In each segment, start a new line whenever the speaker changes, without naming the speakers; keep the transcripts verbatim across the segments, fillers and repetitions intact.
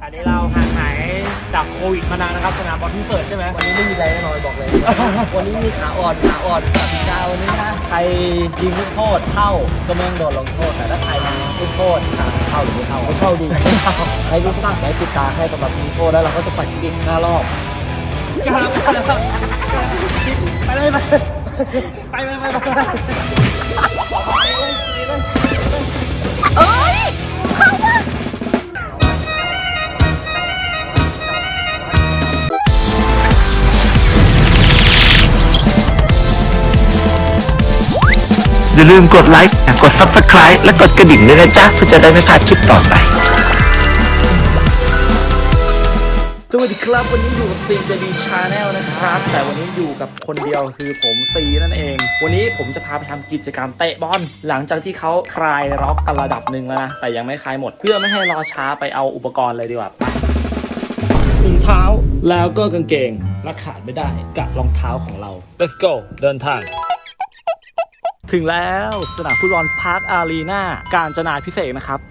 อันนี้เราห่างหายจากโควิดมานานนะครับสนามบอลเพิ่งเปิดใช่ไหม
วันนี้ไม่มีอะไรแน่นอนบอกเลย วันนี้มีขาอ่อนขาอ่อนกติกาวันนี้นะใครยิงลูกโทษเข้าก็ไม่ต้องโดนลงโทษแต่ถ้าใครยิงลูกโทษเข้าหรือไม่เข้าไม่เข้าดีไม่เข้าให้ลูกตั้งให้ปิดตาให้สำหรับยิงโทษแล้วเราก็จะปัดกินห้ารอบ
ไปเลยไปไปไปไปไป
เอ้ยเข้ามา
อย่าลืมกดไลค์กด ซับสไครบ์ และกดกระดิ่งด้วยนะจ๊ะเพื่อจะได้ไม่พลาดคลิปต่อไป
สวัสดีครับวันนี้อยู่กับซีเจดีชาแนลนะครับแต่วันนี้อยู่กับคนเดียวคือผมซีนั่นเองวันนี้ผมจะพาไปทำกิจกรรมเตะบอลหลังจากที่เขาคลายล็อกกันระดับหนึ่งแล้วนะแต่ยังไม่คลายหมดเพื่อไม่ให้รอช้าไปเอาอุปกรณ์เลยดีกว่าถุงเท้าแล้วก็กางเกงและขาดไม่ได้กับรองเท้าของเรา let's go เดินทางถึงแล้วสนามฟุตบอลพาร์คอารีนากาญจนาภิเษกนะครับ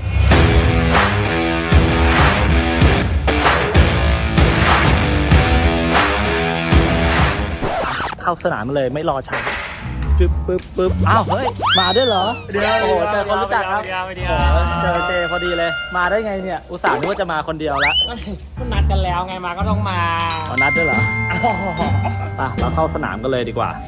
เข้าสนามมาเลยไม่รอช้าปึ๊บปึ๊บปึ๊บอ้าวเฮ้ยมาด้วยเหรอเดี๋ยวโอ้เจอคนรู้จักครับเจอเจพอดีเลยมาได้ไงเนี่ยอุตส่าห์นึกว่าจะมาคนเดียวแล้ว
ก็นัดกันแล้วไงมาก็ต้องมา
อ๋อนัดด้วยเหรอป่ะเราเข้าสนามกันเลยดีกว่า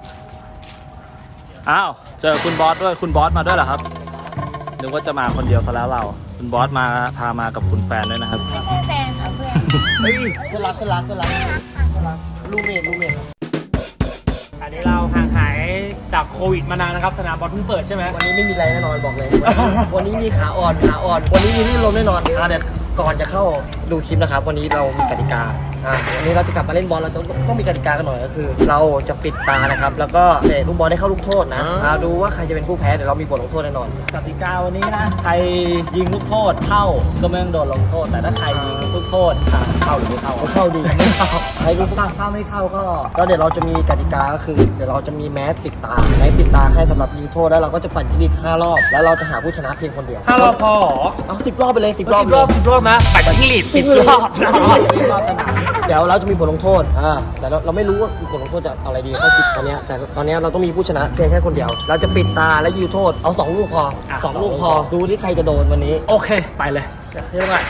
อ้าวเจอคุณบอสด้วยคุณบอสมาด้วยเหรอครับนึกว่าจะมาคนเดียวซะแล้วเราคุณบอสมาพามากับคุณแฟนด้วยนะครับ
ไม่ใช่แฟนค่ะเพื่อน
เฮ้ยเพื่อนรักเพื่อนรักเพื่อนรักลูเมดลูเมด
อันนี้เราห่างหายจากโควิดมานานนะครับสนามบอลเพิ่งเปิดใช่ไหม
วันนี้ไม่มีอะไรแน่นอนบอกเลย วันนี้มีขาอ่อนขาอ่อนวันนี้มีลื่นล้มแน่นอนอ่ะเดี๋ยวก่อนจะเข้าดูคลิปนะครับวันนี้เรามีกติกาอ่ะวันนี้เราจะกลับมาเล่นบอลเราต้องต้องมีกติกากันหน่อยก็คือ เราจะปิดตานะครับแล้วก็เตะลูกบอลให้เข้าลูกโทษนะอ่ะดูว่าใครจะเป็นผู้แพ้เดี๋ยวเรามีบทลงโทษแน่นอน
กติกาวันนี้นะใครยิงลูกโทษเข้าก็ไม่ต้องโดนลงโทษแต่ถ้าใครยิงลูกโทษเข้าหรือไม่เข้า
ไม่เข้าดี
ไม่เข้าใครลูกตั้งเข้าไม่เข้าก็
ก็เดี๋ยวเราจะมีกติกาก็คือเดี๋ยวเราจะมีแมสปิดตาแมสปิดตาให้สำหรับยิงโทษแล้วเราก็จะปั่นคลิกห้ารอบแล้วเราจะหาผู้ชนะเพียงคนเดียว
ห้ารอบพอ
เอาสิบรอบไปเลยสิบรอบ
สิบรอบสิบรอบนะปั่นคลิกสิบรอบ
เดี๋ยวเราจะมีบทลงโทษอ่าแต่เราเราไม่รู้ว่าบทลงโทษจะเอาอะไรดีเข้าจิตตอนนี้แต่ตอนนี้เราต้องมีผู้ชนะเพียงแค่คนเดียวเราจะปิดตาและยิงโทษเอาสองลูกพอสองลูกพอดูที่ใครจะโดนวันนี้
โอเคไปเลยเรียบร้อย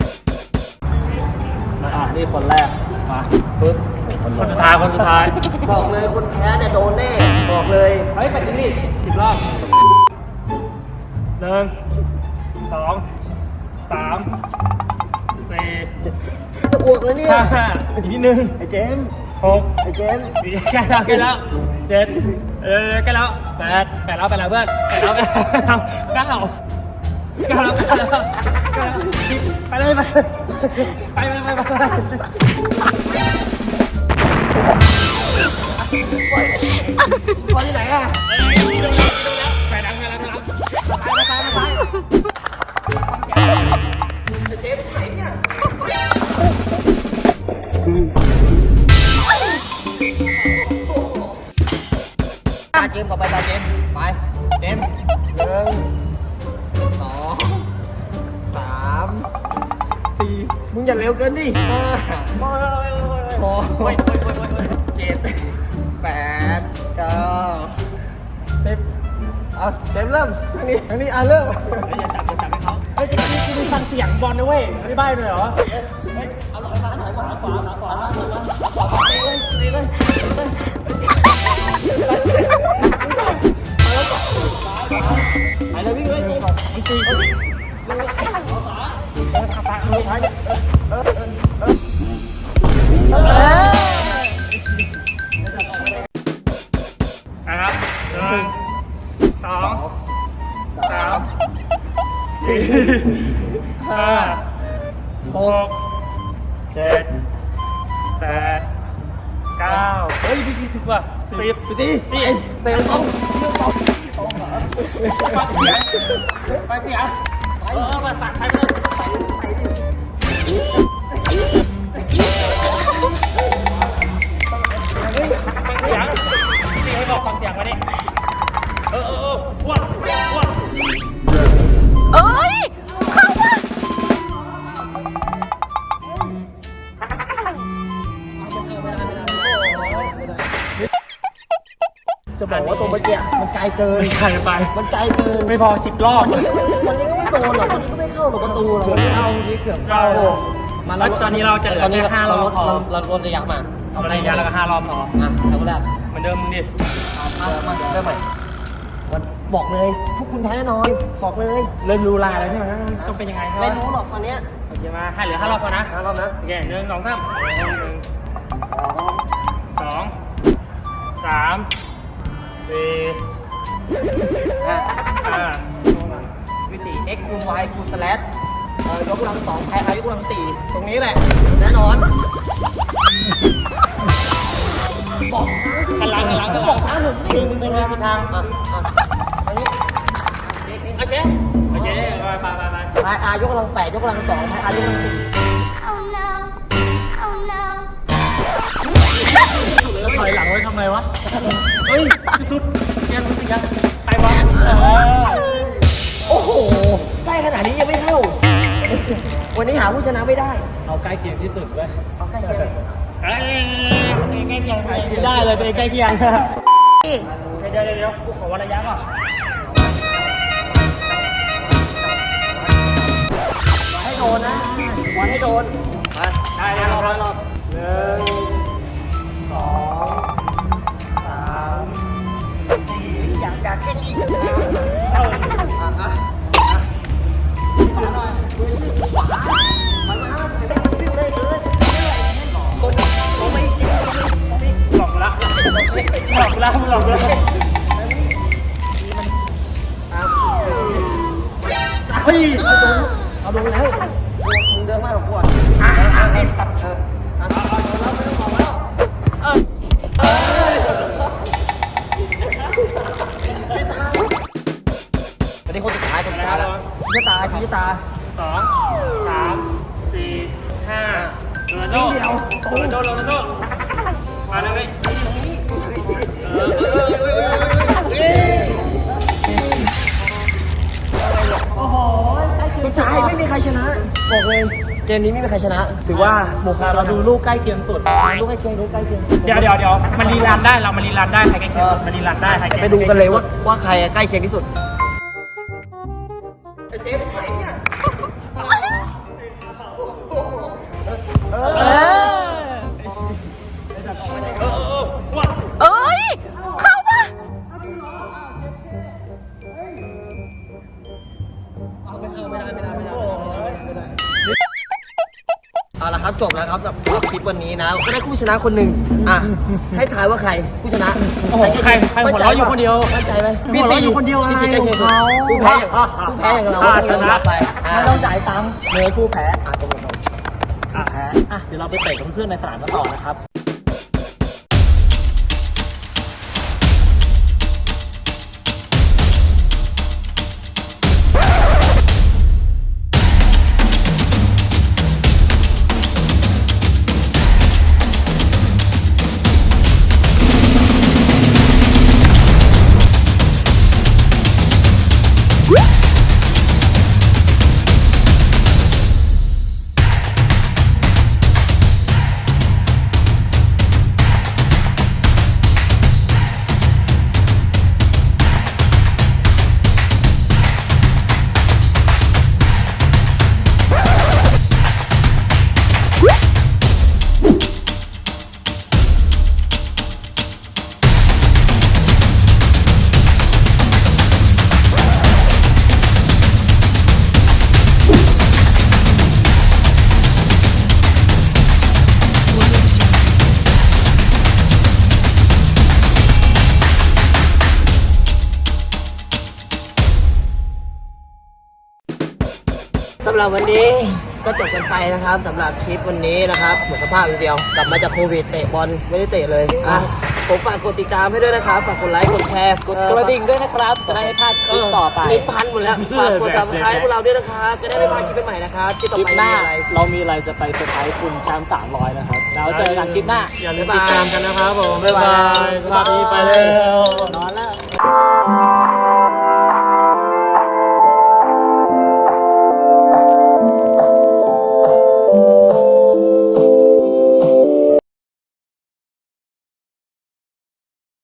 มาอ่ะนี่คนแรกมาปึ๊บคนสุดท้ายคนสุดท้าย
บอกเลยคนแพ้เนี่ยโดนแน่บอกเลย
เฮ้ยปั่นคลิกสิบรอบหนึ่งสองสามสี่
จะอ้วกเลยเนี่ย
อีกนิดนึง
ไอ้เจม
หก
ไอ้เจม
ใกล้แล้วใกล้แล้วเจ็ดเออใกล้แล้วแปดแปดแล้วแปดแล้วเพื่อนแปดแล้วแปดแล้วเก้าเก้าแล้วเก้าแล้วเก้าแล้วไปเลยไปไปไปไปไป
ไปที่ไหนอ่ะ
ไปดังไปดังไปดังไปไปไป
เจมไปไหนเนี่ยตาเจมต่อไปตาเจมไปเจมหนึ่งสองสามสี่มึงอย่าเร็วเกินดิห้าหกเจ็ดแปดเก้าสิบเอาเจมเริ่มทางนี้ทางนี้อ่ะเริ่ม
อย่าจับอย่าจับให้เขาเฮ้ยจะมีจะมีฟังเสียงบอลนะเว้ยไม่ใบ้เลยเหรอ
เฮ้ยเอาหน่อยมาหน่อยมาขวาขวาขวาขวาขวาตีเลยตีเลยไปเลยวิ่งเลยตีตีตีขาปากมือท้ายเนี่ยเออเออเออ
นะครับหนึ่งสองสามสี่ห้าหกเจ็ดแปดเก้าเฮ้ยพี่สิบว่ะสิบ
ตีตีเตะต้อง
ฟังเสียงฟังเสียงเออมาสักใครเลยฟังเสียงตีให้บอกฟังเสียงมาดิเออเออเออว้าวว้าว
เอ้ยเข้ามา
จะบอกว่าตัวเมื่อกี้มันไกลเกิน
ไม่ไกลไป
มันไกลเกิน
ไม่พอสิบรอบ
วันนี้ก็ไม่วันนี้ก็ไม่โดนหรอกวันนี้ก็ไม่เข้าหรอกประตูหรอก
เกือบเข้านี่เกือบเข้า
โอ้มา
แล้วตอนนี้เราจะเหลือแค่ห้ารอบพอ
เราเราลดระยะมา
เอาระยะแล้วก็ห้ารอบพอ
อ่ะเอาก็ได้
เหมือนเดิมมึงดิ
เอามาเริ่มใหม่วันบอกเลยพวกคุณแพ้แน่นอนบอกเลย
เริ่มรู้ลายแล้วใช่ไหมต้องเป็นยังไงใช่ไหม
ไม่รู้หรอกวันเนี้ย
โอเคมาให้เหลือห้ารอบพอนะ
ห้ารอบนะ
โอเคหนึ่งสองสามหนึ่งสองสามสี่
อ่ะ
ห้า
วิธี x คูณ y คูณ slash เอ่อยกกำลังสองแพ้ยกกำลังสี่ตรงนี้แหละแน่นอนบอก
กันหลังกันหลังกันหลังมึงมึงเป็นทางทาง
อ่ะอ่ะอันนี้
โอเคโอเคไปไปไปไป
พายอายกกำลังแปดยกกำลังสองพายอายกกำลังสี่
Oh no. Oh no.
แล้วถอยหลังไว้ทำไมวะเฮ้ยสุดๆยังรู้สึกยังไปบอลเออ
โอ้โหใกล้ขนาดนี้ยังไม่เข้า วันนี้หาผู้ชนะไม่ได้
เอาใกล้เคียงที่สุดเลย
เอาใกล้เคียง
เอ้ยใกล้เคียงได้เลยเป็นใกล้เคียงเดี๋ยวเดี๋ยวเดี๋ยวกูขอวัดระยะก่อน
ให้โดนนะวันให้โดนมาได้ได้รอบได้รอบหนึ่งสองสามสี่อยากอยากแค่นี้เถอะนะอ่ะอ่ะอ่ะขวาหน่อยดูสิขวามันมาไม่ได้วิ่งได้เลยตรงตรงไม่ตรงไม่
หลอกละหลอกละหลอกละ
เฮ้ยเอาลงแล้วมึงเดินมากกว่ากูอ่ะไอ้สัตว์เชิญเอาเอาแล้วไม่ต้องบอกแล้ววันนี้คนสุดท้ายคนสุดท้ายแล้วชี้ตาชี้ตา
สองสามสี่ห้าโรนัลโดโรนัลโดโรนัลโดมาแล้วไหม
สุดท้ายไม่มีใครชนะ บอกเลยเกมนี้ไม่มีใครชนะ ถือว่าโมฆะ
เราดูลูกใกล้เคียงสุด
ลูกใกล้เคียงลูกใกล้เคียง
เดี๋ยวเดี๋ยวเดี๋ยวมันรีรันได้เรามันรีรันได้ใครใกล้เคียงสุดมันรีรันได้ใคร
ไปดูกันเลยว่าว่าใครใกล้เคียงที่สุดเจ๊ไหนเนี่ยเออ
เออเออว้า
เอ้ย เข้าปะ
ไม่เข้าไม่ได้ไม่ได้ไม่ได้ไม่ได้ไม่ได้ไม่ได้เอาละครับจบแล้วครับสำหรับคลิปวันนี้นะก็ได้ผู้ชนะคนหนึ่งอ่ะให้ทายว่าใครผู้ชนะ
โอ้โหใครใครหัวเราะอยู่คนเดียว
มั่นใจไหม
หัวเราะอยู่คนเดียวอะไร
พี่ตีใกล้เคียงสุดผู้แพ้อย่างผู้แพ้อย่างเรา
อ่า
ต้องยอมรับไป
ไม่ต้องจ่ายตังค์เลยผู้แพ้
อ่ะตรงตรง
อ่ะแพ้อ่ะเดี๋ยวเราไปเตะกับเพื่อนๆในสนามกันต่อนะครับ
สำหรับวันนี้ก็จบกันไปนะครับสำหรับคลิปวันนี้นะครับหมดสภาพเดียวกลับมาจากโควิดเตะบอลไม่ได้เตะเลยอ่ะผมฝากกดติดตามให้ด้วยนะครับฝากกดไลค์กดแชร์
กดกระดิ่งด้วยนะครับ จะได้ไม่พลาดคลิปต่อไป
นี่พันหมดแล้วฝากกดซับสไครต์พวกเราด้วยนะครับจะได้ไม่พลาดคลิปใหม่ๆนะครับที่
ค
ต่อ
ลิป
ไป
หน้า
มีอะไร
เรามีอะไรจะไปเซอร์ไพรส์คุณแชมป์สามร้อยนะครับ แล้วเจอกันคลิปหน้า
อย่าลืมติดตามกันนะครับผมบ๊ายบาย
สวัสดีไปแล้วนอนแล้ว